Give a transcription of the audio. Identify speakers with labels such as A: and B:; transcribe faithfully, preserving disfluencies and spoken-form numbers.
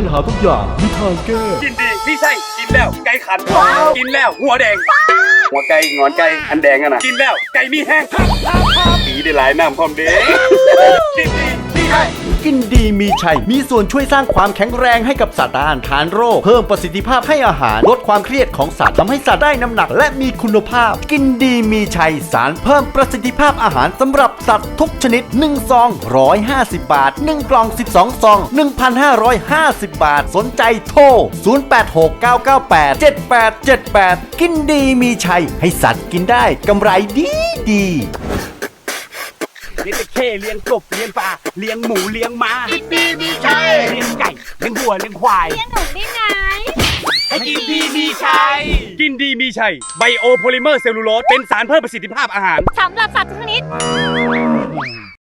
A: ญหาทุกอย่างมีทางแก้
B: กินดีพี่ใช่กินแล้วไก่ขันกินแล้วหัวแดงหัวไก่งอนไก่อันแดงอะนะกินแล้วไก่มีแห้งปีได้หลายน้ำพร้อมเด้กินดีพี่ใช่
A: กินดีมีชัยมีส่วนช่วยสร้างความแข็งแรงให้กับสัตว์ต้านทานโรคเพิ่มประสิทธิภาพให้อาหารลดความเครียดของสัตว์ทำให้สัตว์ได้น้ำหนักและมีคุณภาพ กินดีมีชัยสารเพิ่มประสิทธิภาพอาหารสำหรับสัตว์ทุกชนิดหนึ่งซองหนึ่งร้อยห้าสิบบาทหนึ่งกล่องสิบสองซอง หนึ่งพันห้าร้อยห้าสิบบาทสนใจโทรศูนย์ แปด หก เก้า เก้า แปด เจ็ด แปด เจ็ด แปดกินดีมีชัยให้สัตว์กินได้กำไรดีดี
B: เลี้ยงตะเข้เลี้ยงกบเลี้ยงปลาเลี้ยงหมูเลี้ยงม้ากินดีมีชัยเลี้ยงไก่เลี้ยงวัวเลี้ยงควาย
C: เลี้ยงหนูได้ไง
B: ให้กินดีมีชัยกินดีมีชัยไบโอโพลิเมอร์เซลลูโลสเป็นสารเพิ่มประสิทธิภาพอาหาร
C: สำหรับสัตว์ทุกชนิด